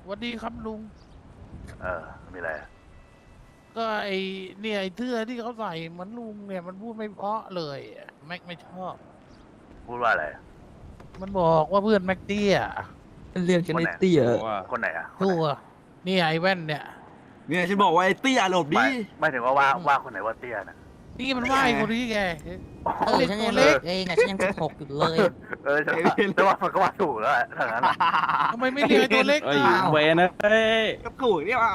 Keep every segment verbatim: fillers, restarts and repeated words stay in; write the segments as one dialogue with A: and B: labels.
A: วัสดีครับลุง
B: เออมีอะไรอะ
A: ก็ไอเนี่ยไอเสื้อที่เขาใส่เหมือนลุงเนี่ยมันพูดไม่เพราะเลยอะแม็กไม่ชอบ
B: พูดว่าอะไรอะ
A: มันบอกว่าเพื่อนแม็กเตี้ย
C: เรียกฉัน
B: คน
C: ไอ้
B: ไหน
C: เตี้ย
D: โอ้ว่า
B: คนไหนอ่ะคน
A: ตั
B: ไหน
A: วนี่ไอแว่นเนี่ย
C: เนี่ยฉันบอกว่าไอ้เตี้ยหลบ
B: ไม่
C: ดิ
B: ไม่ถึงว่าว่า
A: อืม
B: ว่าคนไหนว่าเตี้ยนะ
A: นี่มันว่าไอคนนี้แก
E: เออฉันยังเล็กเองอ่ะฉันยังสิบหกอยู่เลย
B: เออฉันว่าแต่ว่ามันก็ว่าถูกแล้วอะถ้างั้นอะ
A: ทำไมไม่เรียกไอ้ตัวเล็ก
D: เอ้ย
A: อ่ะ
D: เวนนะเอ้ย
C: ก็ถูกเนี่ยว่ะ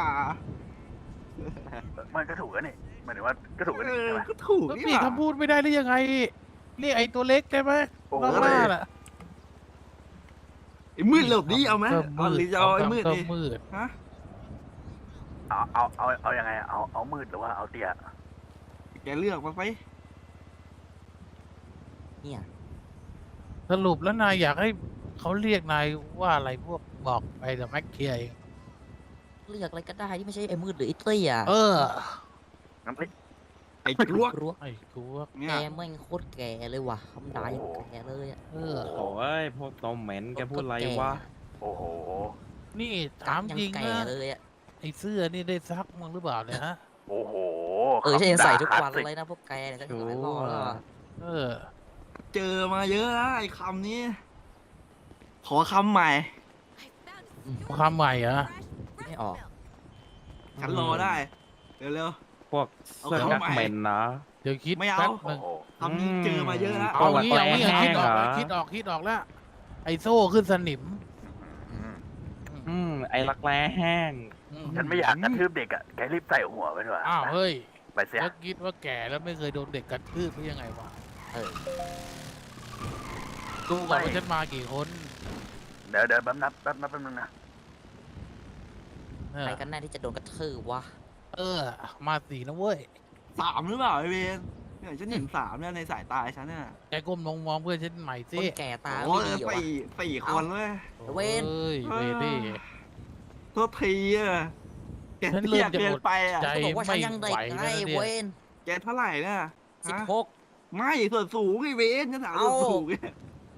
B: มันก็ถูกแล้วนี่หมายถึงว่าก็ถูกแล้ว
C: เอ
B: นี่
C: อ
B: ใช่ไหม
C: ก็ถูก
A: แล้ว
C: นี่
A: พี่
C: ว่ะ
A: คำพูดไม่ได้หรือยังไงเรียกไอตัวเล็กได้ไหม
B: โอ้โห
A: รอบหน้าน่ะ
C: ไอ้มืดหลบดิเอาไหม
A: ก็
C: เอาหรือจะเอาไอ้มืด
A: ก็
C: ดิ
A: มืด
C: ฮะ
B: เอาเอาเอาเอายังไงอะเอาเอามืดหรือว่าเอาเตี้ย
C: แกเลือกมาไป
E: เนี่ย
A: สรุปแล้วนายอยากให้เขาเรียกนายว่าอะไรพวกบอกไปแต่แม็กเคลียร์เอง
E: เลือกอะไรก็ได้ที่ไม่ใช่ไอ้มืดหรือไอ้เตี้ย
A: เออ
B: งั้นไม่
C: ไอ้กลวก
E: รั้ว
A: ไอ้กูว่า
C: เนี่
E: แก
C: ย
E: แม่งโคตรแก่เลยว่ะคำด่ายังแก่เลยอ่ะ
A: เออ
D: โอ้ยพวกตอมเหม็นแกพูดอะไรวะ
B: โอ้โห
A: นี่ถาม
E: ยัง
A: จริง
E: แก่
A: นะ
E: เลยอ่ะ
A: ไอ้เสื้อนี่ได้ซักมั้งหรือเปล่าเนี่ยฮะ
B: โอ้โห
E: เออฉันยังใส่ทุกวัน
B: คำด่าคลาสสิ
E: เลยนะพวกแกเนี่ยฉันหลายรอบแล้วอะ
A: เออ
C: เจอมาเยอะนะไอ้คำนี้ ขอคำใหม่
A: คำใหม่เหรอ
E: ไม่ออก
C: ฉันรอได้ เร็ว
D: พวกเสื้อกั๊กเหม็นนะ
A: เดี๋ยวคิด
C: ไม่เอา
A: แป๊บห
B: โอ้
A: นึ่ง
B: โห
C: ๆคำนี้เจอมาเยอะแล้ว
A: เอา
D: เอา
A: งี้เอางี้
D: แปล
A: คิดออก
D: เหรอ
A: แล้วคิดออกคิดออกแล้ว ไอ้โซ่ขึ้นสนิม
B: อืม
D: อืมไอ้รักแร้แห้ง
A: อืม
B: ฉันไม่อยากกระทืบเด็กอ่ะแกรีบใส่หัวไปดีกว่า
A: อ้าวเฮ้ย
B: ไปเสีย
A: แล้วคิดว่าแก่แล้วไม่เคยโดนเด็กกระทืบหรือยังไงวะ
E: เออ
A: ดูก่อนว่าฉันมากี่คน
B: เดี๋ยวเดี๋ยวแป๊บนับแป๊บนับแป๊บนึงนะ
A: เออ
E: ใครกันแน่ที่จะโดนกระทืบวะ
A: เออ มาสี่นะเว้ย
C: สามหรือเปล่าไอ้เวนเนี่ยฉันเห็นสามเนี่ยในสายตาฉันเนี่ย
A: แกก้มลงมองเพื่อนฉันใหม่
E: ค
A: สิ
E: นแก่ตา
C: โอ้
E: ไม่
C: ย
E: ดีวะ
C: สี่สี่คนเลย
E: เว้น
A: เอ้ยเวดี้
C: โทษทีอ่ะแก
A: ฉันเริ่
C: เตี้ย
A: มจะ
C: เกิน
A: อด
C: ไปอ่ะ
A: ใจ
E: ก็บอกว่าฉันยังเด็ก
A: ไม่ไหว
E: ไง
A: แล้วเนี่ย
E: เวน
C: แกเท่าไหร่เนี่ย
E: สิบ
C: ฮะ
E: หก
C: ไม่ส่วนสูงไอ้เวนฉันถามส่วน
E: เอ้า
C: สูงเนี่ย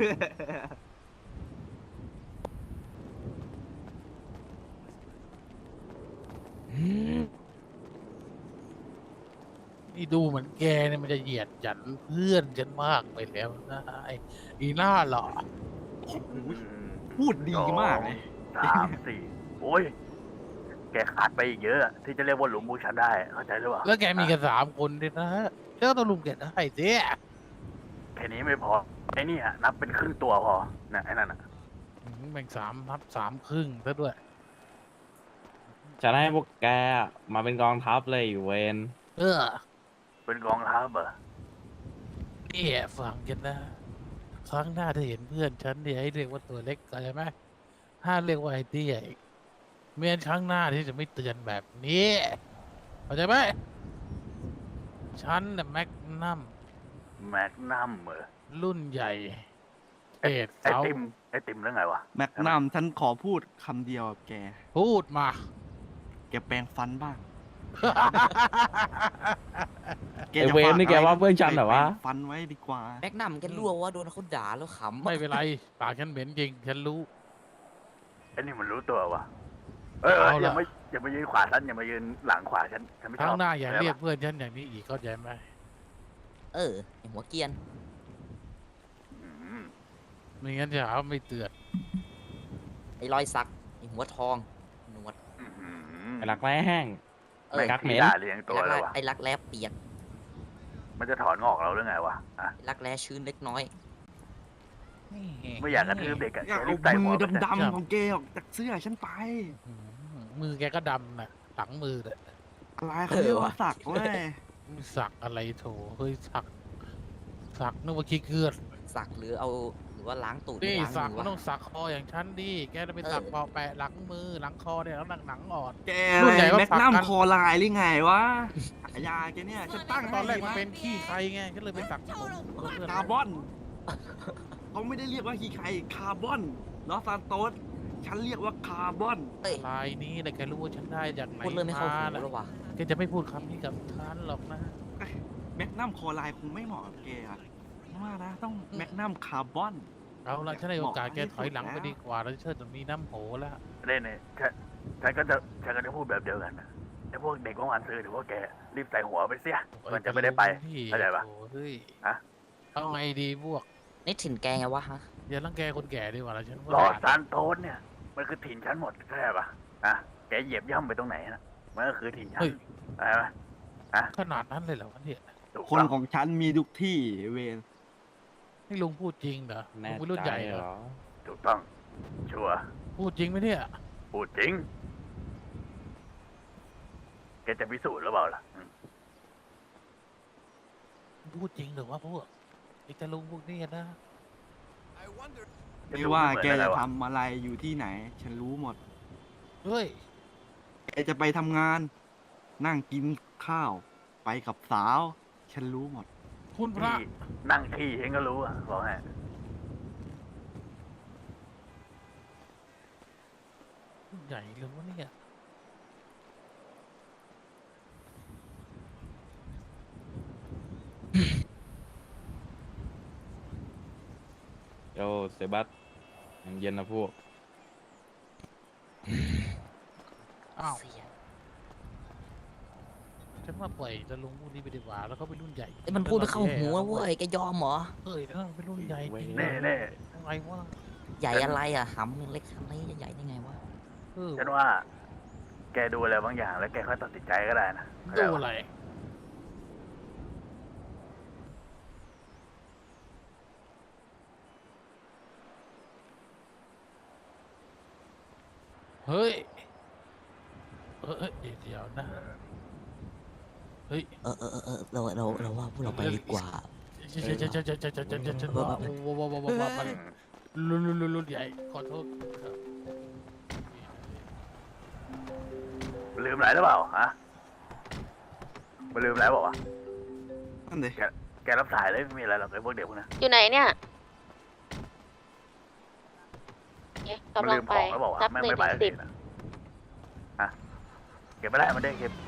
A: นี่ดูเหมือนแกเนี่ยมันจะเหยียดหยันเพื่อนฉันมากไปแล้วนะไอ้อีหน้าหล่อ
C: พูดดีมากเลย
B: สามสี่โอ้ย แกขาดไปอีกเยอะอะที่จะเรียกว่าหลุมบูชันได้เข้าใจหรือเปล่า
A: แล้วแกมีกันสามคนดินะเจ้าต้องลุมแกได้สิ
B: แค่นี้ไม่พอไอ้นี่อะนับเป็นครึ่งตัวพอนะไอ้นั่นอะ
A: อืมแบ่งสามนับสามครึ่งซะด้วย
D: จะให้พวกแกมาเป็นกองทัพเลยอยู่เวน
A: เออ
B: เป็นกองทัพเหรอ
A: นี่ฟังกันนะ ครั้งหน้าถ้าเห็นเพื่อนฉันเนี่ยให้เรียกว่าตัวเล็กเข้าใจไหมห้ามเรียกว่าไอ้เตี้ยอีกเมื่อครั้งหน้าที่จะไม่เตือนแบบนี้เข้าใจไหมฉันน่ะแม็กนัม
B: แมกนัมเหรอ
A: รุ่นใหญ่เอ็ด
B: ไอ
A: เสา
B: ติมไอติมเรื่องไงวะ
C: แม็กนัมฉันขอพูดคำเดียวกับแก
A: พูดมา
C: แกแปรงฟันบ้าง
D: ไอ้เวนนี่แกว่าเพื่อนฉันเหรอวะ
C: แปรงฟันไว้ดีกว่า
E: แม็กนัมแกรั่วว่าโดนเขาด่าแล้วขำ
A: ไม่เป็นไรปากฉันเหม็นจริง ฉันรู้
B: ไอ้นี่มันรู้ตัววะเออเออ
A: เอา
B: อย่า
A: ละ
B: มาอย่ามายืนขวาฉันอย่ามายืนหลังขวาฉันฉันไม่ช
A: ครั้
B: อง บ
A: หน้าอย่า
B: ข้ใจ
A: เรียก
B: ปะ
A: เพื่อนฉันอย่างนี้อีกเข้าใจไหม
E: เออไอ้หัวเกรียน
B: อืม
A: ไม่งั้นจะหาว่าไม่เตือน
E: ไอ้รอยสักไอ้หัวทองหนวด
B: อืม
D: ไอ้รักแร้แห้ง
E: เอ
B: ไม่
E: อ
D: กักเหม็น
B: ด่าเลี้ยงตัว
E: ไอ้
B: แล้
E: รั
B: ว
E: ก
B: วะ
E: ไอ้รักแร้เปียก
B: มันจะถอนงอกเราหรือไงวะอ่ะ
E: ไอ้รักแร้ชื้นเล็กน้อย
B: ไม่อยากกระทืบเด็กอะ
C: อย่า
B: แก
C: เอา
B: รีบใส่หั
C: มื
B: ว
C: อ
B: ไปเถอะ
C: ดำๆของแกออกจากเสื้อฉันไป
A: อืมมือแกก็ดำน่ะหลังมือน่ะ
C: อะไรเขาเรียกว่าสักเว้ย
A: สักอะไรโถเฮ้ยสัก สักนึกว่าขี้เกือด
E: สักหรือเอาหรือว่าล้างตูด
A: นี่
E: ไม่ล้าง
A: สัก
E: มือ
A: มัน
E: วะ
A: ต้องสักคออย่างฉันดิแกจะไปสัก
E: เออ
A: เปาะแปะหลังมือหลังคอเนี่ยแล้วหนังหนังอ่อน
C: แก
A: รุ่นใหญ่ก็
C: แม็ก
A: สัก
C: นัม
A: กัน
C: คอลายหรือไงวะฉายาแกเนี่ยฉันตั้ง
A: ตอนแรก
C: ให้
A: มัน
C: นะ
A: เป็นขี้ใครไงก็เลยไปสักผมเพื่อน
C: คาร์บอนเขาไม่ได้เรียกว่าฮีไคคาร์บอนลอสซานโตสฉันเรียกว่าคาร์บอน
E: เอ้ย
A: ลายนี้แหละแกรู้ว่าฉันได้จากไหน
E: พูดเลยไม่เข้าหู
A: น่ะ
E: แล้ววะ
A: แกจะไม่พูดคำนี้กับฉันหรอกนะ
C: แมกนัมคอลายคงไม่เหมาะกับแกอะว่านะต้องแมกนัมคาร์บอน
A: เอาละฉันให้โอกาสแก
C: เหมาะ
A: ถอยหลัง
C: ที่
A: ไป
C: สุดแล้ว
A: ดีกว่าแล้วเชิดจะมีน้ำโหแล้ว
B: เล่นเนี่ยฉันฉันก็จะฉันก็จะพูดแบบเดียวกันนะไอ้พวกเด็กว่างวันซื้อหรือว่าแกรีบใส่หัวไปเสียมันจะไม่ได้ไปเข้าใจปะ
A: โอ้เฮ้ย
B: ฮะ
A: เอาไงดีพวก
E: นี่ถิ่นแกไงวะฮะ
A: อย่ารังแกคนแก่ดีกว่าละฉัน
B: ลอ
A: ว่า
B: ซานโตสเนี่ย มันคือถิ่นฉันหมดเข้าใจปะอ่ะแกเหยียบย่ำไปตรงไหนนะมันก็คือถิ่นฉัน
A: เฮ้ย
B: อะไรปะ
A: ขนาดนั้นเลยเหรอวะเนี่ย
B: ถูก
C: คน
B: ต้อง
C: ของฉันมีทุกที่เวน
A: นี่ลุงพูดจริงเหรอลุ
D: แน่
A: งเป็นรุ่น
D: ใจ
A: ใหญ่เหร
D: เหร
A: อ
D: อ
B: ถูกต้อง ชัวร์
A: พูดจริงไหมเนี่ย
B: พูดจริง แกจะพิสูจน์หรือเปล่าล่ะอืม
A: พูดจริงหรือว่าพวกไอ้ตาลุงพวกนี้นะ
C: ไม่ว่าแก
B: เหมือนอไร
C: จะ
B: ว
C: ทำอะไรอยู่ที่ไหน ฉันรู้หมด
A: เฮ้ย
C: แกจะไปทำงาน นั่งกินข้าว ไปกับสาว ฉันรู้หมด
A: คุณพระ
B: ที่นั่งขี้เองก็รู้อ่ะบอกให้
A: รุ่นใหญ่เลยวะเนี่ย
D: โยเซบัสยังเย็นนะพวก
A: อ้าว
E: เสีย
A: ฉันว่าปล่อยตาลุงพวกนี้ไปดีกว่าแล้วเขาเป็นรุ่นใหญ่
E: ไอ้ยมันพูดไม่เข้าหูอะเว้ยแกยอมเหรอ
A: เฮ้ยนั่นเป็นรุ่นใหญ่จริง
B: แน่แน่
A: อะไรวะ
E: ใหญ่อะไรอ่ะหำยังเล็กขนาดนี้จะใหญ่ได้ไงวะ
A: เออ
B: ฉันว่า แกดูอะไรบางอย่างแล้วแกค่อยตัดสินใจก็ได้นะเข้าใจ
A: ดู
B: ปะ
A: อะไรเฮ้ยเออเอ้ยเดี๋ยวนะเฮ้ย
E: เออเออเออเออเราเราเราว่าพวกเราไปดีกว่า
A: ฉันฉันฉันฉันฉันฉันฉันฉันฉันว่าว่าว่าว่าว่ามันรุ่นรุ่นรุ่นรุ่นใหญ่ขอโทษครับ
B: ลืมอะไรหรือเปล่าฮะมาลืมแล้วบอกว่าว
C: นั่นเด็
B: ะแกรับสายเลยไม่มีอะไรหรอกไอ้พวกเด็กพวกนั้น
F: อยู่ไหนเนี่ยเนี่ย
B: มัน
F: กำลั
B: ลื
F: ง
B: ม
F: ไป
B: ของแล้วบอกว่า
F: นับ
B: ไม่
F: หนึ่
B: ไม่
F: ง
B: ไป
F: ถึง
B: สัก
F: สิ
B: ที
F: บ
B: นะฮะเก็บไม่ได้มันได้เก็บ